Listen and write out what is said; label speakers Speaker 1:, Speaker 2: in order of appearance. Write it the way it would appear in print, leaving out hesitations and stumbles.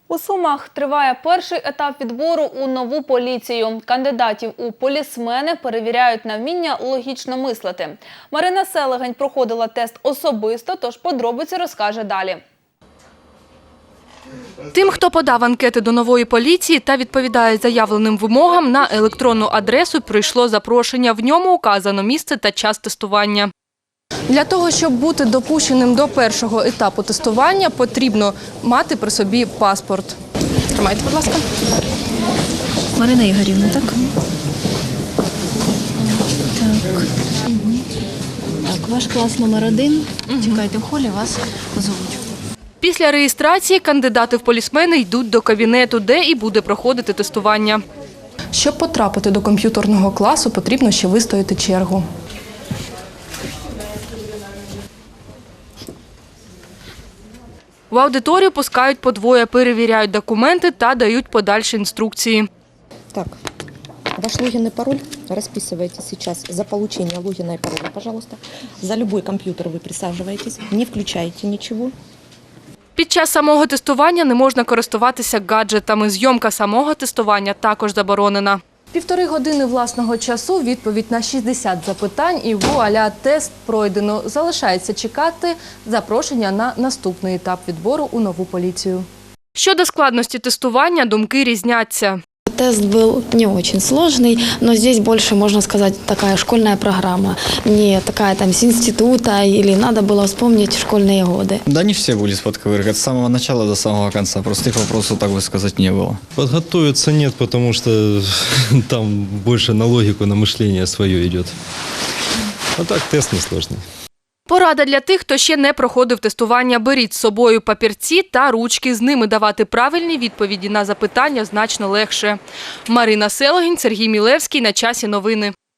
Speaker 1: У Сумах триває перший етап відбору у нову поліцію. Кандидатів у полісмени перевіряють на вміння логічно мислити. Марина Селегень проходила тест особисто, тож подробиці розкаже далі.
Speaker 2: Тим, хто подав анкети до нової поліції та відповідає заявленим вимогам, на електронну адресу прийшло запрошення. В ньому указано місце та час тестування. Для того, щоб бути допущеним до першого етапу тестування, потрібно мати при собі паспорт. Тримайте, будь ласка.
Speaker 3: Марина Ігорівна, так? Так, ваш клас номер 1. Чекайте в холі, вас позовуть.
Speaker 2: Після реєстрації кандидати в полісмени йдуть до кабінету, де і буде проходити тестування. Щоб потрапити до комп'ютерного класу, потрібно ще вистояти чергу. В аудиторію пускають по двоє, перевіряють документи та дають подальші інструкції.
Speaker 4: Так, ваш логин и пароль расписываете сейчас. За получение логина и пароля, пожалуйста. За любой компьютер вы присаживаетесь, не включаете ничего.
Speaker 2: Під час самого тестування не можна користуватися гаджетами. Зйомка самого тестування також заборонена. 1,5 години власного часу, відповідь на 60 запитань і вуаля, тест пройдено. Залишається чекати запрошення на наступний етап відбору у нову поліцію. Щодо складності тестування, думки різняться.
Speaker 5: Тест был не очень сложный, но здесь больше, можно сказать, такая школьная программа. Не такая там с института или надо было вспомнить школьные годы.
Speaker 6: Да не все будут подковыркать с самого начала до самого конца. Простых вопросов, так бы сказать, не было.
Speaker 7: Подготовиться нет, потому что там больше на логику, на мышление свое идет. А так тест несложный.
Speaker 2: Порада для тих, хто ще не проходив тестування. Беріть з собою папірці та ручки. З ними давати правильні відповіді на запитання значно легше. Марина Селегень, Сергій Мілевський. На часі новини.